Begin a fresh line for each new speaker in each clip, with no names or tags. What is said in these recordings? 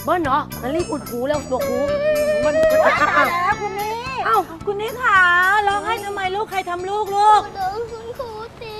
เบิ้ลเหรองั้นรีบอุดหูแล้วตัวหูมัน
แล้วคุณนี่เอ้าคุณนี่ขาร้องไห้ทำไมลูกใครทำลูกโดน
คุณครูตี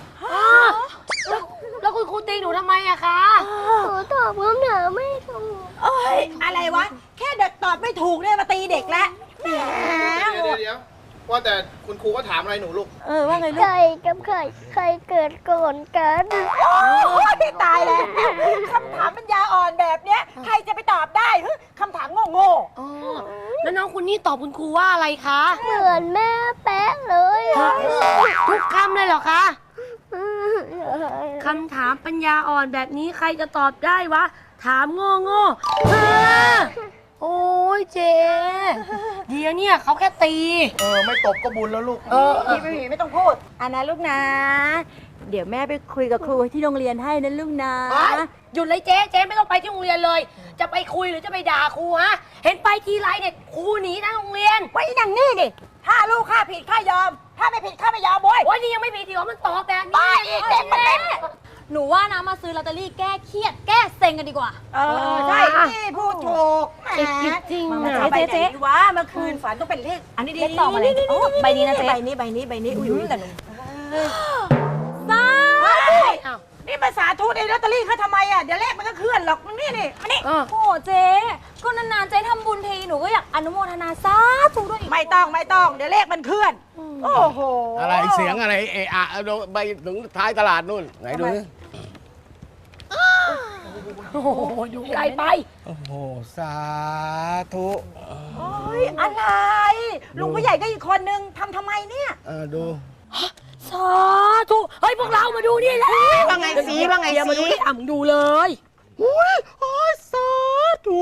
แล้วคุณครูตีหนูทำไมอะคะ
หนูตอบคำถามไม่ถูก
เอ้ยอะไรวะแค่เด็กตอบไม่ถูกเนี่ยมาตีเด็กแล้วแหม
เดี๋ยวว่าแต่คุณครูก็ถามอะไรหนูลูก
ว่าไงลูก
ไก่กับไข่ใครเกิดก่อนกัน
โอ้ยตายแล้วคำถามปัญญาอ่อนแบบเนี้ยใครจะไปตอบได้คำถามโง่
แล้วน้องคุณนี่ตอบคุณครูว่าอะไรคะ
เหมือนแม่แป๊ะเลย
ทุกคำเลยเหรอคะคำถามปัญญาอ่อนแบบนี้ใครจะตอบได้วะถามโง่โอ้ยเจ๊เดี๋ยวเนี่ยเขาแค่ตี
ไม่ตบก็บุญแล้วลูก
ไม่ต้องพูดอันนะลูกนะเดี๋ยวแม่ไปคุยกับครูที่โรงเรียนให้นะลูกนะ
หยุดเลยเจ๊ไม่ต้องไปที่โรงเรียนเลยจะไปคุยหรือจะไปด่าครูฮะเห็นไปทีไรเนี่ยครูหนีนะโรงเรียน
ไว้อย่างนี้ดิถ้าลูกข้าผิดข้ายอมถ้าไม่ผิดข้าไม่ยอมโว้ย
โอ้ยนี่ยังไม่ผิดดีว่ามันตอบแบบนี้
อีกเด็กมันเด็ก
หนูว่านะมาซื้อลอตเตอรี่แก้เครียดแก้เซ็งกันดีกว่า
ใช่นี่พูดถูก
จริง
เจ๊วะเมื่อคืนฝันต้องเป็นเลขอันนี้ดี
ต่อมาเลยใบนี้นะเจ๊
ใบนี้อุ้ยแต่หนู
สา
นี่ภาษาทูตไอ้ลอตเตอรี่เขาทำไมอ่ะเดี๋ยวเลขมันก็เคลื่อนหรอกนี่มานี่
โอ้เจ๊ก็นานๆเจ๊ทำบุญทีหนูก็อยากอนุโมทนาสาธุด้วยอีก
ไม่ต้องเดี๋ยวเลขมันเคลื่อนโอ้โห
อะไรเสียงอะไรไปถึงท้ายตลาดนู่นไหนดูนี่
โอ้โหดูไกลไป
โอ้โหสาธุ
โอ้ยอะไรลุงผู้ใหญ่ก็อีกคนนึงทำไมเนี่ย
ดู
สาธุเฮ้ยพวกเรามาดูนี่แหละ
ว่าไงสีมา
ดูนี่มึงดูเลย
โอ้ยสาธุ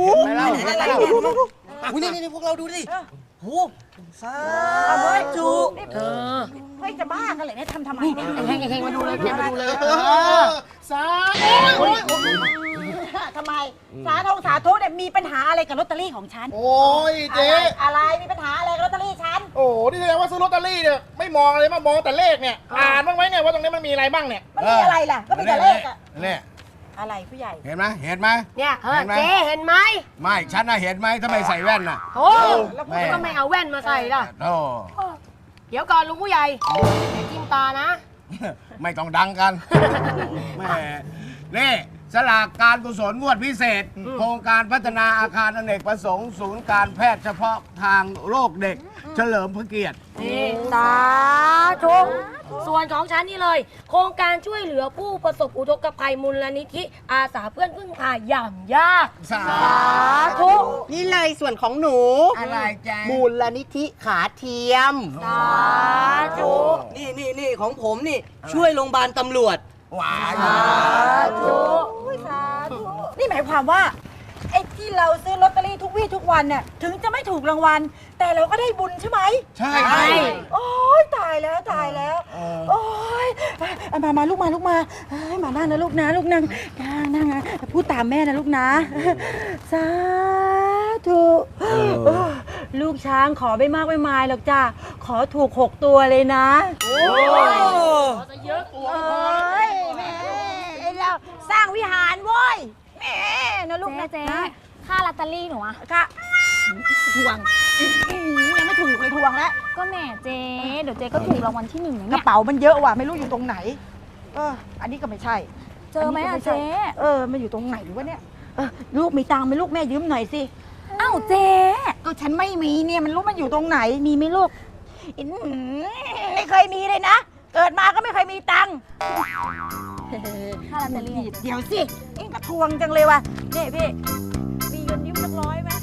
นี่พวกเราดูดิโอ้สาธุ
เฮ้ยจะบ้ากันเลยเนี่ยทำไมเนี่ย
เฮงมาดูเลยมาดูเลย
สา
ทำไมสาธุเนี่ยมีปัญหาอะไรกับลอตเตอรี่ของฉัน
โอ้ยเจ๊
อะไรมีปัญหาอะไรกับลอตเตอรี่ฉัน
โอ้นี่แสดงว่าซื้อลอตเตอรี่เนี่ยไม่มองอะไรมามองแต่เลขเนี่ยอ่านบ้างไหมเนี่ยว่าตรงนี้มันมีอะไรบ้างเนี่ย
มันมีอะไรล่ะก็มีแต่เลขอะ
เนี่ย
อะไรผู้ใหญ่
เห็นไหม
เนี่ยเจ๊เห็นไหม
ไม่ฉันน่ะเห็นไหมทำไมใส่แว่นน่ะ
โอ้แล้วคุณก็ไม่เอาแว่นมาใส่ล่ะ
โอ้
เดี๋ยวก่อนลุงผู้ใหญ่อย่าจิ้มตานะ
ไม่ต้องดังกันแม่นี่สลากการกุศลงวดพิเศษโครงการพัฒนาอาคารอเนกประสงค์ศูนย์การแพทย์เฉพาะทางโรคเด็กเฉลิมพระเกียรติ
สาธุส่วนของฉันนี่เลยโครงการช่วยเหลือผู้ประสบอุทกภัยมูลนิธิอาสาเพื่อนพึ่งพาอย่างยาก
สา
ธุ
นี่เลยส่วนของหนู
อะไรจ๊ะ
มูลนิธิขาเทียม
สาธุ
นี่ของผมนี่ช่วยโรงพยาบาลตำรวจ
ว้า
สาธุ
นี่หมายความว่าไอ้ที่เราซื้อลอตเตอรี่ทุกวี่ทุกวันเนี่ยถึงจะไม่ถูกรางวัลแต่เราก็ได้บุญใช่ไหม
ใช่
โอ้ยตายแล้วโอ้ยมาลูกมามานั่งนะลูกนะนั่งพูดตามแม่นะลูกนะสาธุลูกช้างขอไม่มากไม่มายหรอกจ้าขอถูก6 ตัวเลยนะ
โอ้ยจะเยอะตัว
แม่เราสร้างวิหารเว้ยแม่นะลูกนะ
เจ๊ค่าลอตเตอรี่หนูอะ
ค่ะทวงยังไม่ถูกเลยทวงแล้ว
ก็แม่เจ๊เดี๋ยวเจ๊ก็ถูกรางวัลที่1
กระเป๋ามันเยอะว่ะไม่รู้อยู่ตรงไหนอันนี้ก็ไม่ใช่
เจอไหมอะเจ๊
มันอยู่ตรงไหนวะเนี่ยลูกมีตังค์ไหมลูกแม่ยืมหน่อยสิ
อ้าวเจ๊
ก็ฉันไม่มีเนี่ยมันรู้มันอยู่ตรงไหนมีไหมลูกไม่เคยมีเลยนะเกิดมาก็ไม่เคยมีตังค์
ค่าลอตเตอรี่
เดี๋ยวสิเอ็งกระทวงจังเลยว่ะนี่พี่มีเงินยืมสัก100ไหม